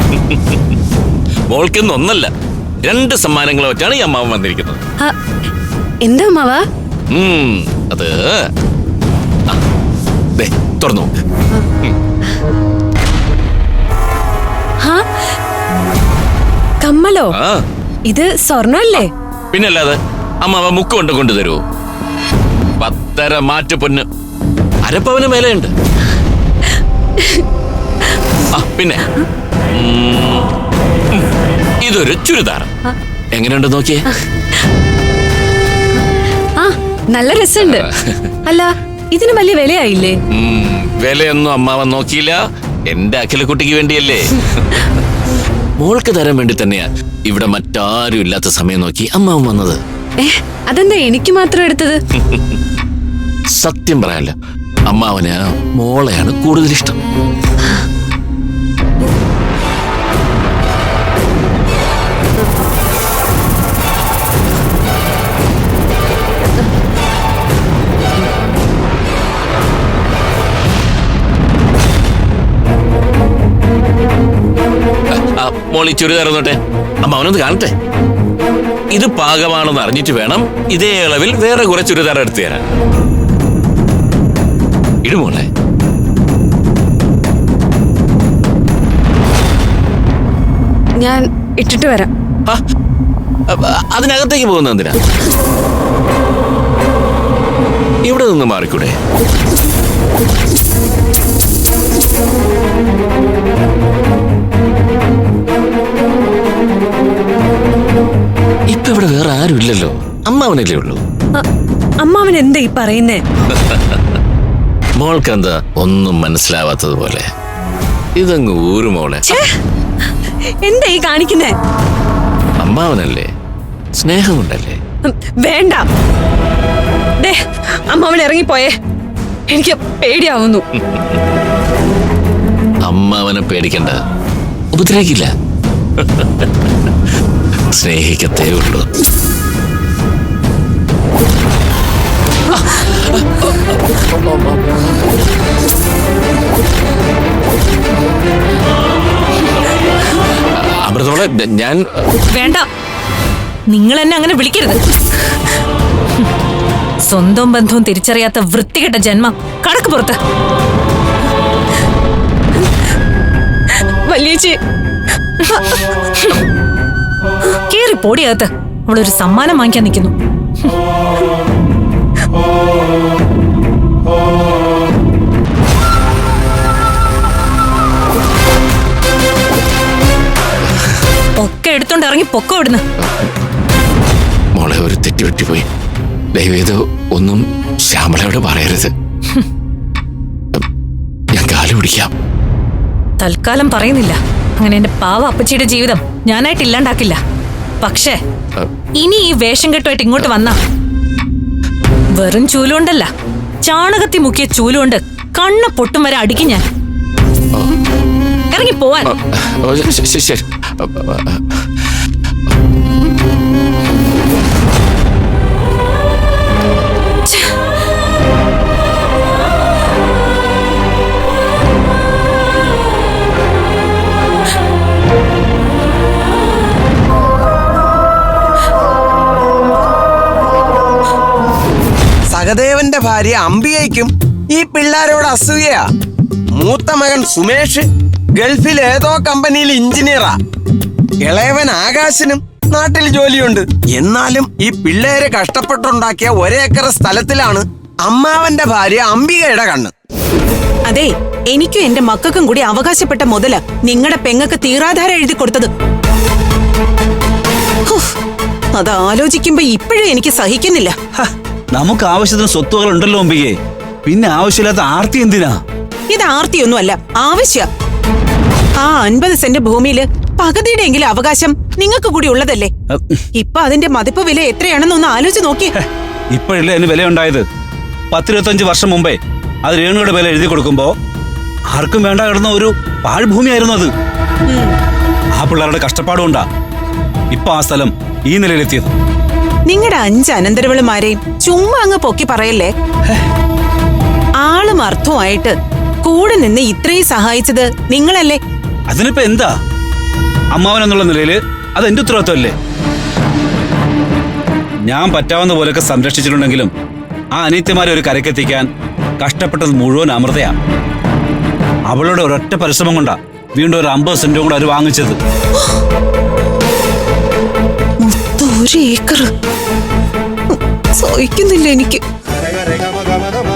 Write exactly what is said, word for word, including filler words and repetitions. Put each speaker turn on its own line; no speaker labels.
മോൾക്കൊന്നും ഒന്നല്ല, രണ്ട് സമ്മാനങ്ങളെ വെച്ചാണ് ഈ അമ്മാവൻ വന്നിരിക്കുന്നത്.
എന്താ അമ്മാവ?
അത് തുറന്നു നോക്ക്.
കമ്മലോ? ഇത് സ്വർണ്ണല്ലേ?
പിന്നല്ലാതെ. അമ്മാവ മുക്ക് കൊണ്ട് കൊണ്ടുതരൂ. പത്തര മാറ്റ പൊന്ന്, അരപ്പവന് മേലെയുണ്ട്. ആ പിന്നെ ഇതൊരു ചുരിദാർ. എങ്ങനെയുണ്ട് നോക്കിയേ?
ആ നല്ല രസമുണ്ട്. അല്ല, ഇതിന് വലിയ വിലയായില്ലേ?
വിലയൊന്നും അമ്മാവൻ നോക്കിയില്ല. എന്റെ അഖിലക്കുട്ടിക്ക് വേണ്ടിയല്ലേ. മോൾക്ക് തരാൻ വേണ്ടി തന്നെയാ ഇവിടെ മറ്റാരും ഇല്ലാത്ത സമയം നോക്കി അമ്മാവൻ വന്നത്.
അതെന്താ എനിക്ക് മാത്രം എടുത്തത്?
സത്യം പറയാനല്ല, അമ്മാവന് മോളെയാണ് കൂടുതൽ ഇഷ്ടം. മോളി ചുരിദാർ നോട്ടെ, അമ്മാവനൊന്ന് കാണട്ടെ. ഇത് പാകമാണെന്ന് അറിഞ്ഞിട്ട് വേണം ഇതേ അളവിൽ വേറെ കുറെ ചുരിദാർ എടുത്തു തരാൻ. ഇടുമോളെ.
ഞാൻ ഇട്ടിട്ട് വരാം.
അതിനകത്തേക്ക് പോകുന്ന എന്തിനാ? ഇവിടെ നിന്ന് മാറിക്കൂടെ? ഇപ്പൊ ഇവിടെ വേറെ ആരും ഇല്ലല്ലോ, അമ്മാവനല്ലേ ഉള്ളൂ.
അമ്മാവൻ എന്താ ഈ പറയുന്നേ?
മോൾക്കെന്താ ഒന്നും മനസ്സിലാവാത്തതുപോലെ? ഇതങ്ങ് ഊരു മോളെ.
എന്താ ഈ കാണിക്കുന്നേ?
അമ്മാവനല്ലേ, സ്നേഹമുണ്ടല്ലേ.
വേണ്ട, അമ്മാവൻ ഇറങ്ങിപ്പോയേ. എനിക്ക് പേടിയാവുന്നു.
അമ്മാവനെ പേടിക്കണ്ട, ഉപദ്രവിക്കില്ല, സ്നേഹിക്കത്തേ ഉള്ളൂ. അമൃതോളെ, ഞാൻ
വേണ്ട, നിങ്ങൾ എന്നെ അങ്ങനെ വിളിക്കരുത്. സ്വന്തം ബന്ധവും തിരിച്ചറിയാത്ത വൃത്തികെട്ട ജന്മം. കടക്ക് പുറത്ത്.
വലിയേച്ചി,
കേറി പോടിയകത്ത്. അവളൊരു സമ്മാനം വാങ്ങിക്കാൻ നിൽക്കുന്നു. ഒക്കെ എടുത്തോണ്ട് ഇറങ്ങി പൊക്കോ ഇവിടുന്ന്.
മോളെ, ഒരു തെറ്റ് പറ്റിപ്പോയി. ദയവേത് ഒന്നും ശ്യാമളയോട് പറയരുത്. ഞാൻ കാല് പിടിക്കാം.
തൽക്കാലം പറയുന്നില്ല. അങ്ങനെ എന്റെ പാവ അപ്പച്ചിയുടെ ജീവിതം ഞാനായിട്ട് ഇല്ലാണ്ടാക്കില്ല. പക്ഷേ ഇനി ഈ വേഷം കെട്ടുമായിട്ട് ഇങ്ങോട്ട് വന്നാ വെറും ചൂലുകൊണ്ടല്ല, ചാണകത്തി മുക്കിയ ചൂലുകൊണ്ട് കണ്ണ പൊട്ടും വരെ അടിക്കും ഞാൻ. ഇറങ്ങി പോവാൻ.
ശരി.
സഹദേവന്റെ ഭാര്യ അംബികയ്ക്കും ഈ പിള്ളേരോട് അസൂയയാ. മൂത്ത മകൻ സുമേഷ് ഗൾഫിൽ ഏതോ കമ്പനിയിൽ എഞ്ചിനീയറാ. ഇളയവൻ ആകാശിനും നാട്ടിൽ ജോലിയുണ്ട്. എന്നാലും ഈ പിള്ളേരെ കഷ്ടപ്പെട്ടുണ്ടാക്കിയ ഒരേക്കർ സ്ഥലത്തിലാണ് അമ്മാവന്റെ ഭാര്യ അംബികയുടെ കണ്ണ്.
അതെ, എനിക്കും എന്റെ മക്കൾക്കും കൂടി അവകാശപ്പെട്ട മുതല് നിങ്ങളുടെ പെങ്ങക്ക് തീറാധാരം എഴുതി കൊടുത്തത്. അത് ആലോചിക്കുമ്പോ ഇപ്പോഴും എനിക്ക് സഹിക്കുന്നില്ല.
നമുക്ക് ആവശ്യത്തിന് സ്വത്തുകൾ ഉണ്ടല്ലോ അംബികയെ, പിന്നെ ആവശ്യമില്ലാത്ത ആർത്തി എന്തിനാ?
ഇത് ആർത്തിയൊന്നുമല്ല, ആവശ്യ. ആ അൻപത് സെന്റ് ഭൂമിയില് പകുതിയുടെ എങ്കിലും അവകാശം നിങ്ങൾക്ക് കൂടി ഉള്ളതല്ലേ? ഇപ്പൊ അതിന്റെ മതിപ്പ് വില എത്രയാണെന്നൊന്ന് ആലോചിച്ച് നോക്കി.
ഇപ്പോഴല്ലേ അതിന് വില ഉണ്ടായത്? പത്തിരുപത്തഞ്ച് വർഷം മുമ്പേ അത് രേണുയുടെ വില എഴുതി കൊടുക്കുമ്പോ ആർക്കും വേണ്ട കിടന്ന ഒരു പാഴ്ഭൂമിയായിരുന്നു അത്. ആ പിള്ളേരുടെ കഷ്ടപ്പാടുകൊണ്ടാ ഇപ്പൊ ആ സ്ഥലം ഈ നിലയിലെത്തിയത്.
നിങ്ങളുടെ അഞ്ച് അനന്തരവളുമാരെയും ചുമ്മാ അങ്ങ് പൊക്കി പറയല്ലേ. ആളും അർത്ഥവുമായിട്ട് കൂടെ നിന്ന് ഇത്രയും സഹായിച്ചത് നിങ്ങളല്ലേ?
അതിനിപ്പോ എന്താ? അമ്മാവൻ എന്നുള്ള നിലയിൽ അത് എന്റെ ഉത്തരവാദിത്വമല്ലേ? ഞാൻ പറ്റാവുന്ന പോലെയൊക്കെ സംരക്ഷിച്ചിട്ടുണ്ടെങ്കിലും ആ അനിത്യമാരെ ഒരു കരക്കെത്തിക്കാൻ കഷ്ടപ്പെട്ടത് മുഴുവൻ അമൃതയാ. അവളുടെ ഒരൊറ്റ പരിശ്രമം കൊണ്ടാ വീണ്ടും ഒരു അമ്പത് സെന്റും കൂടെ അവർ വാങ്ങിച്ചത്.
മൊത്തം ഒരു ഏക്കർ സഹിക്കുന്നില്ല എനിക്ക്.